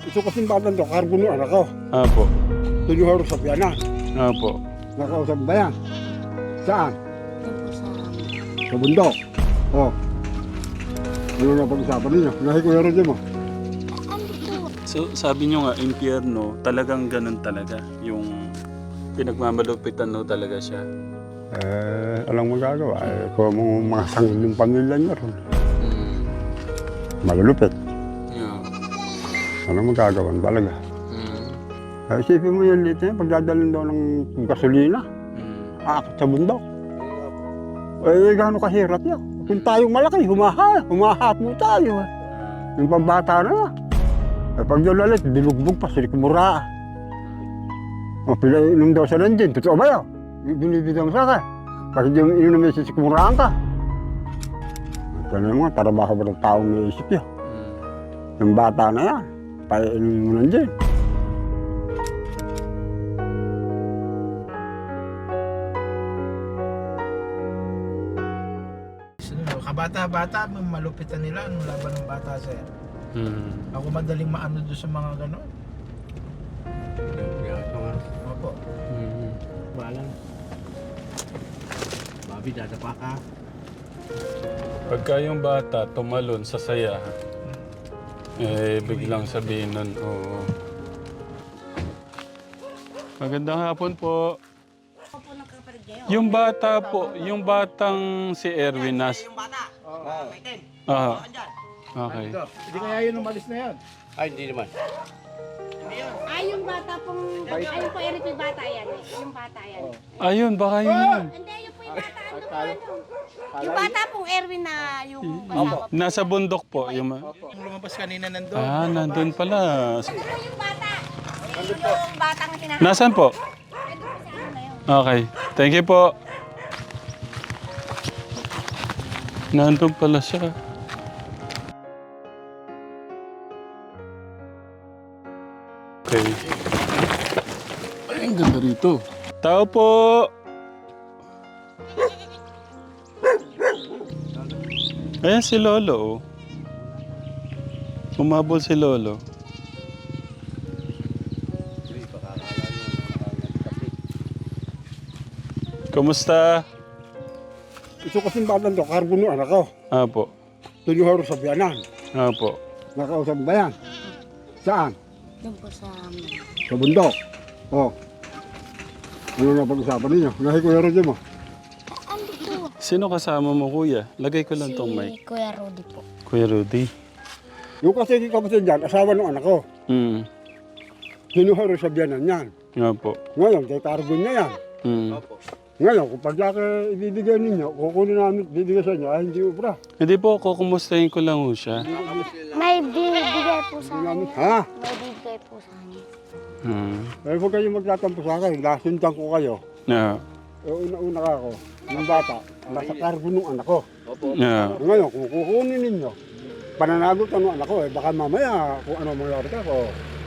Ito kasing batang to, cargo ng anak ko. Apo. Tinuharo sa piyanan. Apo. Nakausap ba yan? Saan? Doon po sa... Sa bundok. Oh. Ano na pag-usapan ninyo? Nahi ko yaro dyan mo. Ano po? So, sabi nyo nga, impyerno, talagang ganun talaga. Yung pinagmamalupitan no talaga siya. Alang magagawa. Kung mga sanggol yung pamilya niya ron. Mm. Malulupit. Yeah. Alang magagawa talaga. Mm. Isipin mo yan dito, pagdadalhin daw ng gasolina. Mm. Aakit sa bundok. Gano'n kahirap yan. Kung tayong malaki, humahat mo tayo. Yung pambata na. Pag dalalit, dilugbog pa, silikmura. O, pinainom daw sa nandiyan. Totoo ba yun? Binibigyan mo sa akin. Pag hindi mo inom na silikmuraan ka. Ito na mga, trabaho ba ng taong naisip yun? Yung bata na yan, painom mo nandiyan. Kabata-bata, malupitan nila anong laban ng bata, sir. Mm. Ako madaling maano doon sa mga gano'n. Opo. Mm. Balang. Babi, dadapa ka. Pagka yung bata tumalon sa saya, biglang sabihin nun, oo. Magandang hapon po. Ako po ng kapatid niyo. Yung bata po, yung batang si Erwin nas... Yung bata. May ten. Ah, Andyan. okay. Hindi kaya yun umalis na yan. Ay, hindi naman. Ay, yung bata pong... Ay, yung po Eric, yung bata yan eh. Yung bata yan. Ayun, baka yun. Hindi, yung po yung bata. Yung bata pong Erwin na yung kasama po. Nasa bundok po. Yung... Yung lumabas kanina nandun. Ah, nandun pala. Ito po yung bata. Yung batang hinahanap. Nasaan po? Ito po sa ano na yun. Okay. Thank you po. Nandun pala siya. Okay. Ay, ang ganda rito. Tao po! Ayan si Lolo. Oh. Umabol si Lolo. Kumusta? Ito kasing batang to, cargo ng anak ko. Apo. Tinuharo sa piyanan. Apo. Nakausap ba yan? Saan? Doon po sa... Sa bundok. Oh. Ano na pag-usapan ninyo? Nahi ko yaro dyan mo. Ano po? Sino kasama mo, kuya? Lagay ko lang tong mic. Si Kuya Rudy po. Kuya Rudy. Yung kasi kapatid dyan, asawa ng anak ko. Hmm. Tinuharo sa biyanan yan. Apo. Ngayon, kay cargo niya yan. Hmm. Ngayon, kung pagka ibibigay ninyo, kukunin namin, bibigay sa inyo, ay hindi ubra. Hindi po, kukumustahin ko lang ho siya. May bibigay po sa Namin, kanya. ha? May bibigay po sa kanya. Hmm. Eh, huwag kayong magtatampo sa akin, lasundan ko kayo. Yeah. Eh, una-una ka ako, ng bata, nasa cargo ng anak ko. Yeah. Ngayon, kung kukunin ninyo, pananagot ng anak ko, eh, baka mamaya, kung ano mangyari ka ko.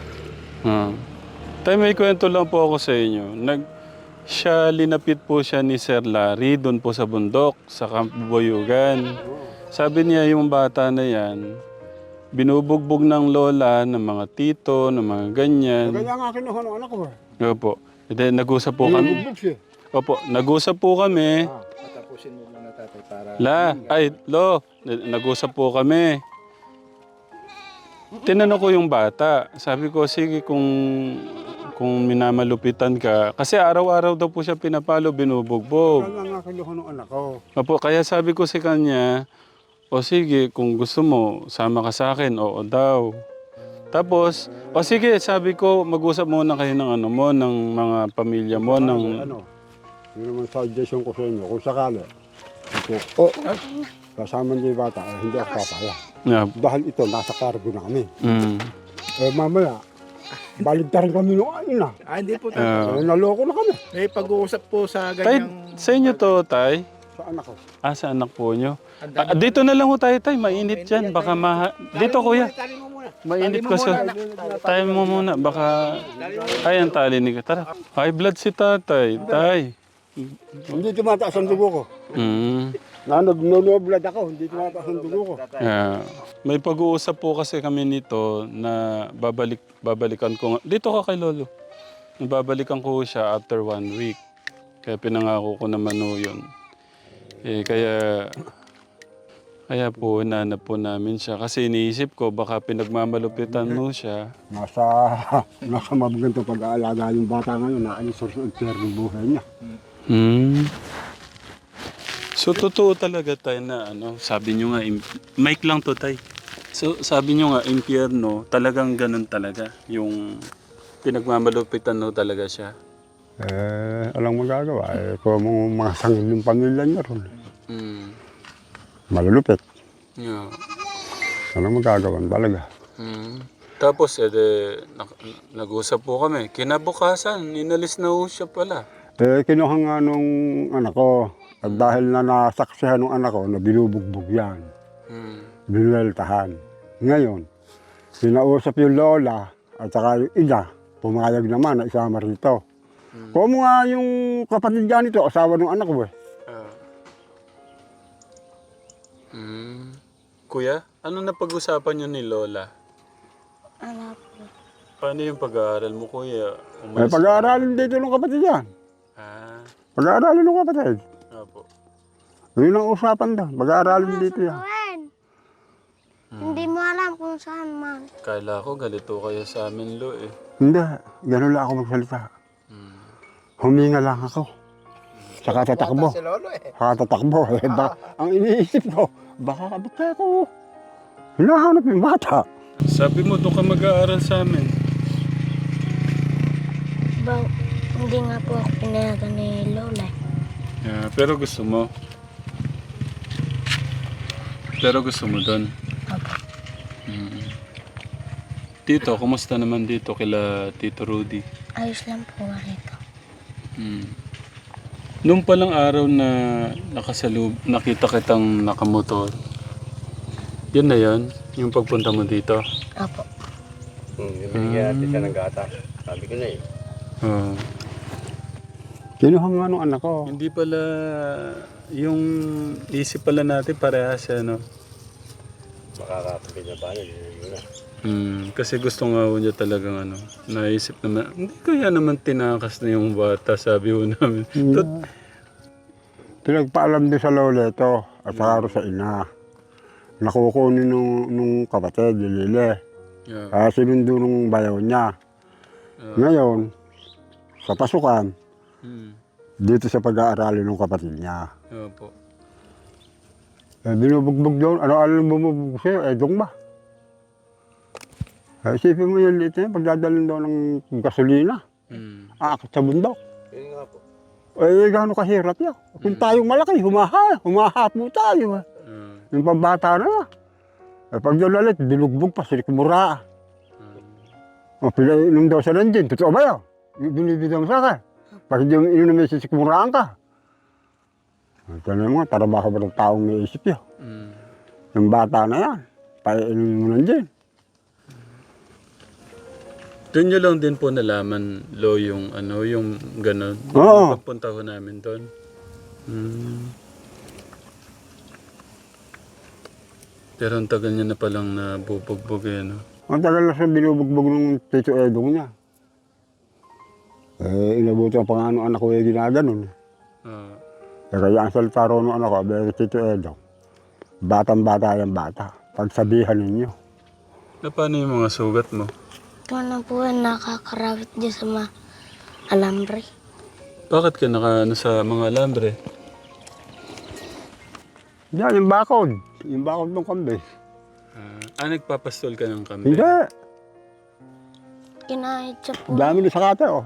Tay, may kwento lang po ako sa inyo. Linapit po siya ni Sir Larry doon po sa bundok, sa Camp Boyugan. Sabi niya yung bata na yan, binubugbog ng lola, ng mga tito, ng mga ganyan. Kaya nga kinuha ng anak ko eh. Opo. And then, nag-usap po kami. Binubugbog siya. Opo, nag-usap po kami. Patapusin mo muna, tatay, para... Nag-usap po kami. Tinanong ko yung bata. Sabi ko, sige kung minamalupitan ka. Kasi araw-araw daw po siya pinapalo, binubugbog. Kaya nga kinuha ng anak ko. Opo, kaya sabi ko sa kanya, o sige, kung gusto mo, sama ka sa akin, oo daw. Tapos, o sige, sabi ko, mag-usap muna kayo ng ano mo, ng mga pamilya mo, ng... Ano, yun naman suggestion ko sa inyo, kung sakali. Ito, kasama niyo yung bata, hindi ako papaya. Yeah. Dahil ito, nasa cargo namin. Mm. Mamaya, baligtarin kami nung ayun na. Hindi po, tatay. Naloko na kami. May pag-uusap po sa Tay, ganyang... sa inyo to, Tay? Sa anak ko. Sa anak po nyo. Dito na lang ho tayo, Tay. Mainit yan. Baka Dito, kuya. Mainit ko sa... Tayo mo muna. Baka... Ay, ang tali ni... Tara. High blood si tatay. Tay. Hindi tumataas ang dugo ko. Mm. Nagno-blood ako, hindi tumataas ang dugo ko. Yeah. May pag-uusap po kasi kami nito na babalikan ko. Dito ka kay Lolo. Babalikan ko siya after 1 week. Kaya pinangako ko naman o yun. Kaya po, nanap po namin siya. Kasi iniisip ko, baka pinagmamalupitan mo siya. Nasa mabaganto pag-aalaga yung bata ngayon, naalis sa ng buhay niya. So, totoo talaga tayo na sabi nyo nga, mic lang to tay. So, sabi nyo nga, impyerno, talagang ganun talaga. Yung pinagmamalupitan no talaga siya. Alang magagawa. Kung mga sangil yung pamilya niya ron. Malulupit. Yeah. Alang magagawa talaga. Tapos, nag-usap po kami. Kinabukasan, inalis na ho siya pala. Kinuha nga nung anak ko. At dahil na nasaksihan ng anak ko na binubugbog yan. Binueltahan. Ngayon, sinausap yung lola at saka yung ina, pumayag naman na isama rito. Kung nga yung kapatid dyan ito, asawa ng anak ko eh. Kuya, ano na pag-usapan niyo ni Lola? Ano po? Paano yung pag-aaral mo, Kuya? Pag-aaralin dito ng kapatid yan. Pag-aaralin ng kapatid. Opo. Yun ang usapan daw. Pag-aaralin dito yan. Hindi mo alam kung saan man. Kala ko galito kayo sa amin, Lo eh. Hindi, gano'n lang ako magsalita. Huminga lang ako. Saka tatakbo. Si Lolo eh. Saka tatakbo. Ang iniisip ko, baka ako hinahanap yung bata. Sabi mo, doon ka mag-aaral sa amin. Hindi nga po ako pinayagan ni Lola. Pero gusto mo? Pero gusto mo doon? Opo. Tito, kumusta naman dito kila Tito Rudy? Ayos lang po rito. Nung palang araw na nakita kitang nakamotor, yun na yun? Yung pagpunta mo dito? Opo. Binigyan natin siya ng gata. Sabi ko na eh. Kinuha nga nung anak ko. Hindi pala, yung isip pala natin parehas no? Makakapagin na paano. Yun na. Kasi gusto nga ho niya talagang naisip naman, hindi kaya naman tinakas na yung bata, sabi ho namin. Pinagpaalam din sa lola ito at saka sa ina. Nakukunin nung kapatid, Lile. Yeah. Sinundo nung bayaw niya. Ngayon, sa pasukan, dito sa pag-aaralin ng kapatid niya. Opo. Binubugbog doon. Ano bumubugbog sa'yo? Dong ba? Isipin mo yung liit na yun, pagdadalhin daw ng gasolina. Aakit sa bundok. Yun nga po. Gano'n kahirap yan. Kung tayong malaki, humahat mo tayo. Yung pambata na. Pag dalalit, binugbog pa, sinikmura. Pinainom daw siya ng gin. Totoo ba yun? Binibigyan mo sa akin. Pag hindi mo inom na sisikmuraan ka. Tanong mo, trabaho ba ng taong may isip yun? Yung bata na yan, painom mo ng gin. Doon nyo lang din po nalaman, Lo, yung yung gano'n. Oo. Pagpunta ko namin doon. Pero ang tagal niya na palang nabubugbog no? Ang tagal na siya binubugbog ng Tito Edong niya. Inabuti ang pangano anak ko ginaganon. Kaya ang salita ro ng anak ko, Tito Edong, batang-bata yung bata. Pagsabihan ninyo. Paano yung mga sugat mo? Ito na po nakakarawit dyan sa mga alambre. Bakit ka sa mga alambre? Yan, yung bakod. Yung bakod ng kambing. Nagpapastol ka ng kambing? Hindi. Kinahit siya po. Dami na sa kate, oh.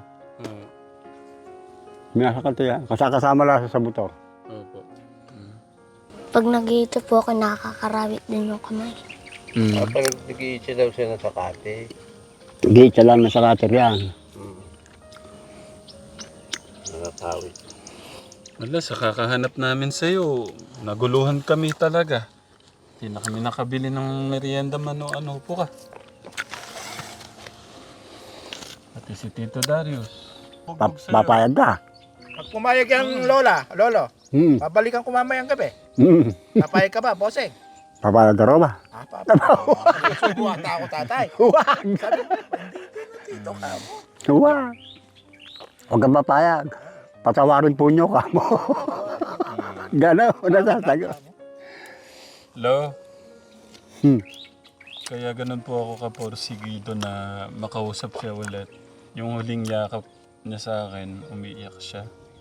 Minasakate yan. Kasama lang sa motor. Opo. Pag nag-iito po ako, nakakarawit din yung kamay. Pag nag-iitsa daw siya ng sakate. Gate lang na sa kate yan. Nakakawit. Wala, sa kakahanap namin sa'yo, naguluhan kami talaga. Hindi na kami nakabili ng merienda man o ano po ka. Pati si Tito Darius. Papayag ka. Pag pumayag yung lolo, Hmm. babalikan ko mamayang gabi. Hmm. Papayag ka ba, bossing? Papayag ka raw ba? Subo ata ako, tatay. Huwag! Sabi ko, hindi dito ka mo. Huwag! Huwag kang papayag. Patawarin po nyo ka mo. Gano'n, nasasagot. Lo, Hmm. kaya ganun po ako kaporsigido na makausap siya ulit. Yung huling yakap niya sa akin, umiiyak siya.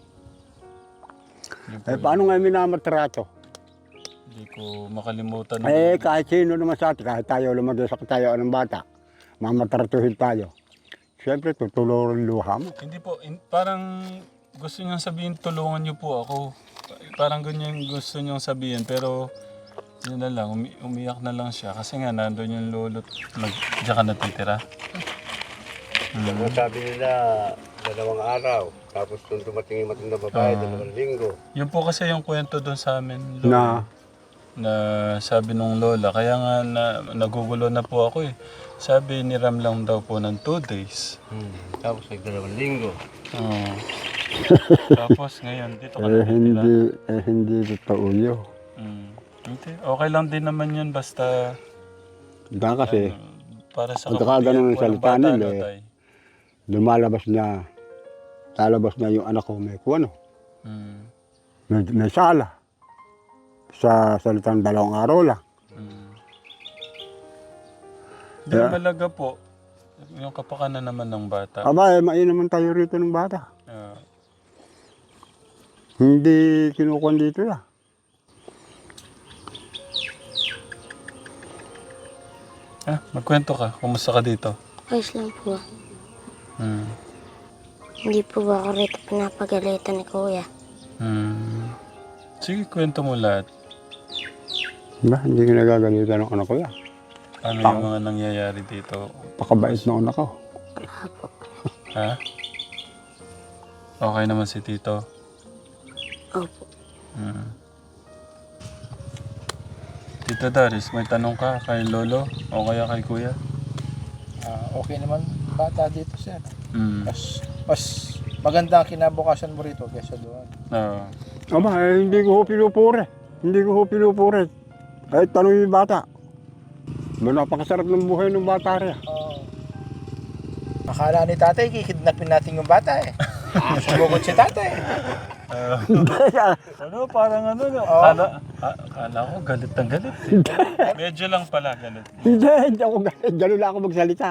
Yun po Eh, paano nga minamatrato? Hindi ko makalimutan. Eh, kahit sino naman sa atin, kahit tayo lumagay sa katayaan ng bata, mamatratuhin tayo. Siyempre, tutulungan luha mo. Hindi po, parang gusto niyang sabihin, tulungan niyo po ako. Parang ganyan yung gusto niyang sabihin, pero yun na lang, umiyak na lang siya. Kasi nga, nandun yung lolo't diyan ka natitira. Ang sabi nila, 2 araw. Tapos nung dumating yung matindang babae, 2 linggo. Yun po kasi yung kwento doon sa amin, Na, na sabi nung lola, kaya nga nagugulo na po ako eh. Sabi niram lang daw po ng 2 days. Tapos 2 linggo. Oo. Tapos ngayon, dito ka natitira. hindi totoo yun. Hindi, okay lang din naman yun, basta Dahil kasi, para sa At saka ganun ang po ng salita bata, nila no, eh. tay? lalabas na yung anak ko may kuwano. Mm. May sala. Sa salitang 2 araw lang. Di malaga po, yung kapakanan naman ng bata. Aba, naman tayo rito ng bata. Ah, Hindi kinukuhan dito ya. magkwento ka, kumusta ka dito? Ayos lang po. Hmm. Hindi po ba ako rito pinapagalitan ni Kuya? Sige, kwento mo lahat. Ba, hindi ko nagagalitan ng anak ko ya. Ano yung mga nangyayari dito? Pakabait na anak ko. Wala po. Ha? Okay naman si Tito? Opo. Tito Daris, may tanong ka kay Lolo o kaya kay Kuya? Okay naman, bata dito, sir. Hmm. Mas maganda ang kinabukasan mo rito kaysa doon. Oo. Aba, hindi ko ho pinupuri. Hindi ko ho pinupuri. Kahit tanong yung bata. Ba, napakasarap ng buhay ng bata rin. Akala ni tatay, kikidnapin natin yung bata eh. Sumugod si tatay. Ano, parang ano, no? Kala ko galit ng galit eh. Medyo lang pala galit. Hindi ako galit. Ganun lang ako magsalita.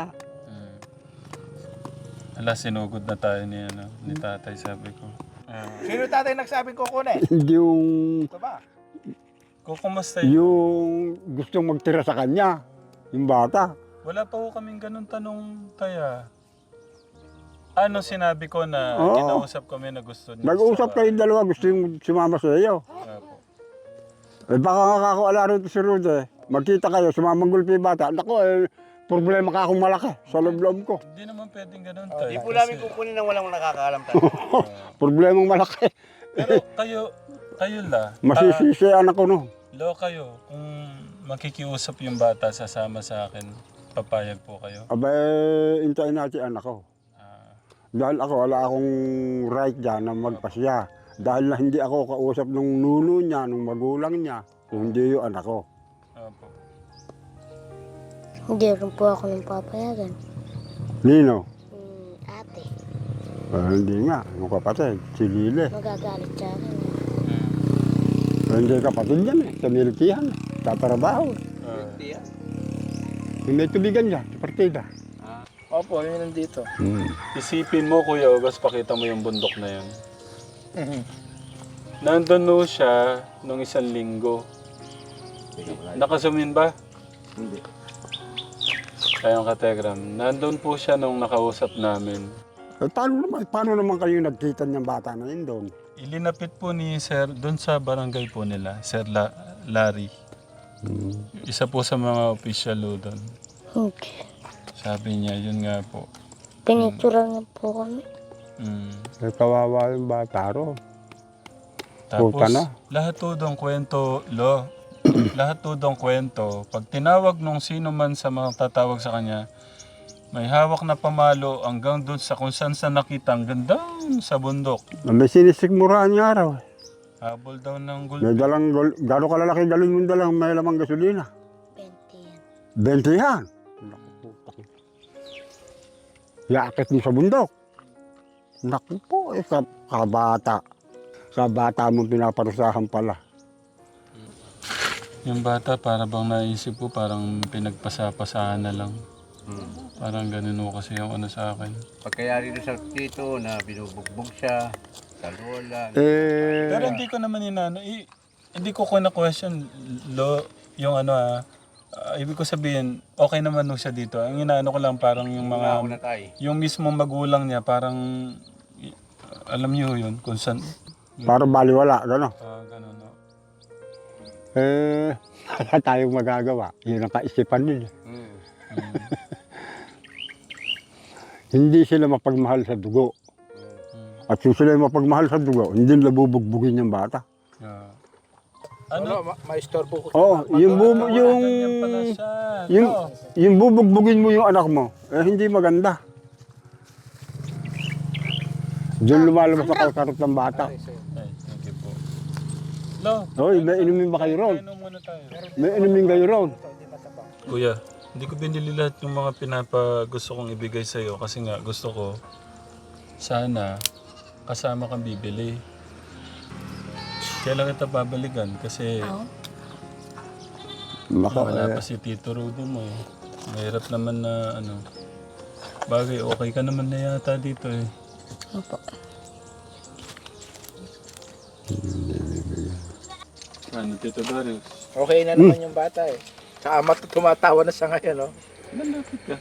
Ala, sinugod na tayo ni tatay, sabi ko. Sino tatay nagsabing kukunin? Hindi yung Ito ba? Kumusta yun? yung gustong magtira sa kanya. Yung bata. Wala pa ho kaming ganun tanong, Taya. Ano sinabi ko na Oo. kinausap kami na gusto niya? Nag-uusap kayong dalawa. Gusto yung sumama sa iyo. Apo. Eh baka nga ako ala rito si Rude. Magkita kayo, sumamang gulpi yung bata. Naku, problema ka akong malaki sa loob-loob ko. Hindi naman pwedeng ganun, Tay. Hindi po namin kukunin ng walang nakakaalam tayo. Problemang malaki. Pero kayo la. Masisisiyan ako no. Lo kayo, kung makikiusap yung bata sasama sa akin, papayag po kayo? Aba, intayin natin anak ko. Dahil ako, wala akong right dyan na magpasya. Dahil na hindi ako kausap ng nuno niya, ng magulang niya, kung hindi yung anak ko. Apo. Hindi rin po ako nang papayagan. Nino? Ate, Hindi nga, yung kapatid, si Lile. magagalit siya akin. Hindi kapatid yan sa militihan, tatrabaho. Yung may tubigan niya, sa partida. Opo, yun nandito. Isipin mo, Kuya August, pakita mo yung bundok na yun. Nandun no siya nung 1 linggo. Nakasumin ba? Hindi. Ayun ka, Tegram. Nandun po siya nung nakausap namin. Eh, paano naman kayo nagkita niyang bata na yun doon? Ilinapit po ni Sir, doon sa barangay po nila, Sir Larry. Isa po sa mga official doon. Okay. Sabi niya, yun nga po. Pinicturan na po kami. Eh, kawawa yung bata ro. Tapos, Puta na. lahat to dong kwento, lahat to dong kwento, pag tinawag nung sino man sa mga tatawag sa kanya, May hawak na pamalo hanggang doon sa kung saan sa nakita. Ang ganda sa bundok. May sinisikmuraan niya araw. Habol daw ng May dalang, gano'ng kalalaki galon mo dalang may lamang gasolina. 20 yan. 20 yan. Yaakit mo sa bundok. Naku po, kabata. Kabata mo pinaparusahan pala. Yung bata para bang naisip ko parang pinagpasapasahan na lang. Parang ganun o kasi yung ano sa akin. Pagkayari na sa tito na binubugbog siya sa lola. Pero hindi ko naman hindi ko question yung ano ibig ko sabihin, okay naman nung siya dito. Ang inaano ko lang parang yung Ako na mga, tayo. yung mismong magulang niya parang, alam niyo yun, kung saan, Para baliwala, gano'n. ganun, no? Wala tayong magagawa. Yun ang kaisipan nila. Hindi sila mapagmahal sa dugo. At kung sila mapagmahal sa dugo, hindi nila bubugbugin yung bata. Yeah. Ano, maistorbo ko. Oo, yung Ganyan pala siya. yung bubugbugin mo yung anak mo, hindi maganda. Diyan lumalabas sa kalkarot ng bata. Ay, thank you po. Lo, Hoy, may inumin ba kayo ron? kainom muna tayo. May inumin kayo ron. Kuya, hindi ko binili lahat yung mga gusto kong ibigay sa'yo kasi nga gusto ko sana kasama kang bibili. Kailan kita babalikan kasi wala pa si Tito Rudo mo eh. Mahirap naman na ano. Bagay, okay ka naman na yata dito eh. Opo. Ano, Tito Darius? Okay na naman yung bata eh. Sa ama tumatawa na sa ngayon, no? Malapit ka.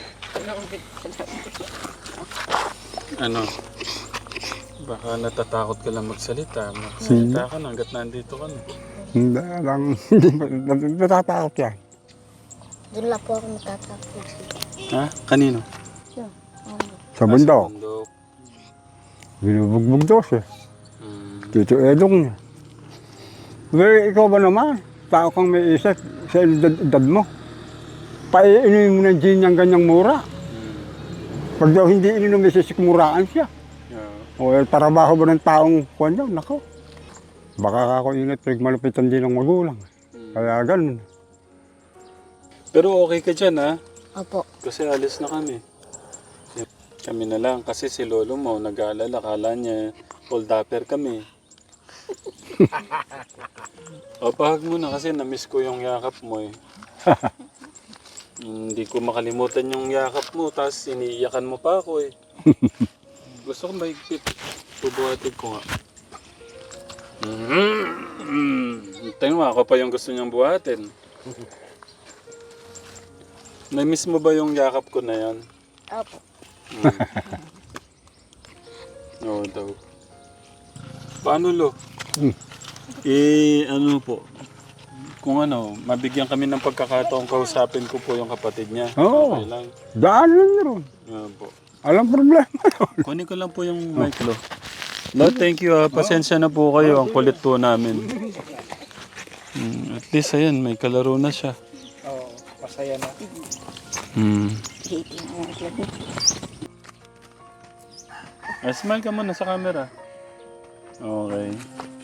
Ano? Baka natatakot ka lang magsalita. Magsalita ka na hanggat nandito ka na. Hindi lang, hindi natatakot yan. Doon lang po ako natatakot. Ha? Kanino? Sa bundok, Bundok. binubugbog daw siya. Mm. Tito Edong niya. Pero ikaw ba naman? Tao kang may isip sa edad mo. Paiinumin mo ng gin yung ganyang mura. Pag daw hindi ininom, may sisikmuraan siya. Yeah. O trabaho ba ng taong kuwan daw? Nako. Baka ako ingat, malupitan din ng magulang. Kaya ganun. Pero okay ka dyan ha? Opo. Kasi alis na kami. Kami na lang kasi si lolo mo nag-aalala. Kala niya hold upper kami. O pahag mo na kasi na-miss ko yung yakap mo eh. Hindi ko makalimutan yung yakap mo tapos iniiyakan mo pa ako eh. Gusto ko mahigpit. Bubuhatin ko nga. Tingnan mo, ako pa yung gusto niyang buhatin. Na-miss mo ba yung yakap ko na yan? Opo. Oo daw. Paano lo? Ano po? Kung ano, mabigyan kami ng pagkakataong kausapin ko po yung kapatid niya. Oo. Okay lang. Daan lang niya ron. Yan po. Alam problema. Kunin ko lang po yung mic lo. No, thank you. Pasensya na po kayo. Ang kulit po namin. At least ayan, may kalaro na siya. Oo, masaya na. Smile ka muna sa camera. Okay.